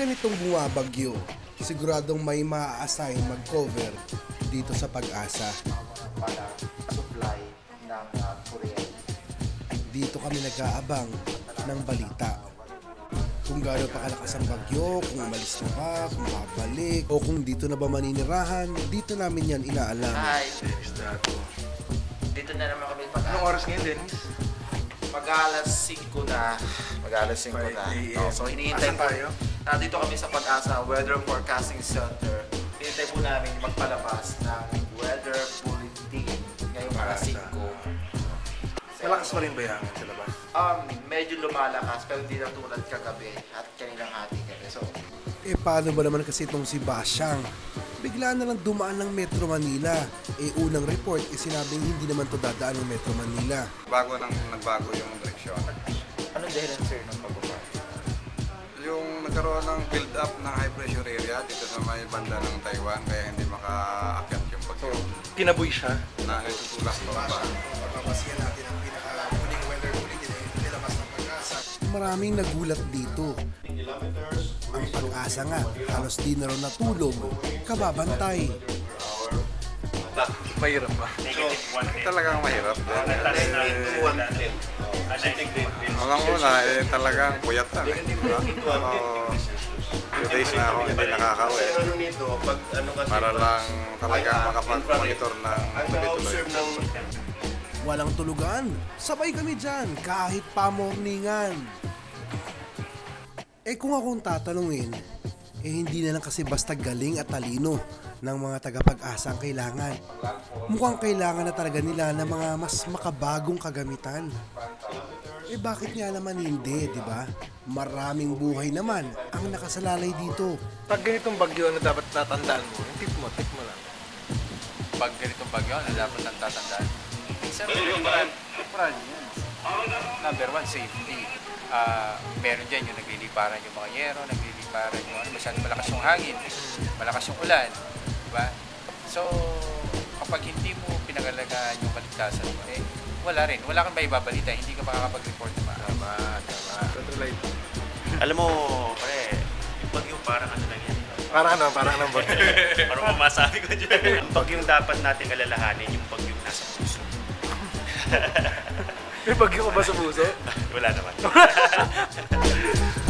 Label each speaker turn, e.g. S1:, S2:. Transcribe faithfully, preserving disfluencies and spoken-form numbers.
S1: ganitong bumabagyo, siguradong may maa-assign mag-cover dito sa Pag-asa.
S2: Para supply ng uh, kuryente.
S1: Dito kami nag-aabang ng balita. Kung gaano pa kalakas ang bagyo, kung umalis na ba, kung babalik, o kung dito na ba maninirahan, dito namin yan inaalam.
S2: Hi! Dito na naman kami Pag-asa.
S3: Anong oras ngayon, Dennis?
S2: Mag-alas singko na. Mag-alas singko na. Oh, so hinihintay
S3: Asan
S2: po.
S3: tayo?
S2: Nandito kami sa Pag-asa Weather Forecasting Center. Hinihintay po namin magpalabas ng weather bulletin ngayong alas singko.
S3: Malakas pa rin ba yan sa labas?
S2: Um, medyo lumalakas pero hindi na tulad kagabi at kaninang hati gabi. So,
S1: Eh paano ba naman kasi itong si Basyang? Bigla na lang dumaan ng Metro Manila. Eh unang report, eh sinabing hindi naman to dadaan ng Metro Manila.
S4: Bago nang nagbago yung direksyon.
S2: anong dahilan sir ng pagbaba?
S4: Yung nagkaroon ng build-up ng high pressure area dito sa may banda ng Taiwan kaya hindi makaakyat yung bagyo.
S3: Kinaboy siya.
S4: Na itutulak pa ba?
S1: Papapasiyan natin ang pinaka-huling weather bulletin na nilabas ng Pag-asa. Maraming nagulat dito. Ang Pag-asa nga, halos di na raw natulog, kababantay.
S3: Mahirap ba?
S4: Talagang mahirap. Alam mo na, eh, talagang puyat na. Eh. Ako, few days na ako hindi nakakauwi. Para lang talaga makapag-monitor ng tuloy-tuloy.
S1: Walang tulugan, sabay kami dyan, kahit pa morningan. Eh kung akong tatanungin, eh hindi na lang kasi basta galing at talino ng mga taga-Pag-asa ang kailangan. Mukhang kailangan na talaga nila ng mga mas makabagong kagamitan. Eh bakit nga naman hindi, di ba? Maraming buhay naman ang nakasalalay dito.
S3: Pag ganitong bagyo, ano dapat tatandaan mo? Yung tip mo, tip mo lang.
S5: Pag ganitong bagyo, ano dapat nang tatandaan? Sir, brand, brand yan. Number one, safety. Uh, meron dyan yung nagliliparan yung mga yero, nagliliparan yung ano, masyadong malakas yung hangin, malakas yung ulan, diba? So, kapag hindi mo pinangalagaan yung kaligtasan mo, eh, wala rin. Wala kang maibabalita, hindi ka makakapag-report na maaari.
S3: Tama, tama.
S6: Alam mo, pare, yung bagyo parang ano lang yan.
S3: Parang ano, parang ano ba?
S6: Parang mamasabi ko dyan. Yung bagyong dapat natin alalahanin, yung bagyong nasa puso.
S3: May bagyo ko ba sa puso?
S6: Wala naman.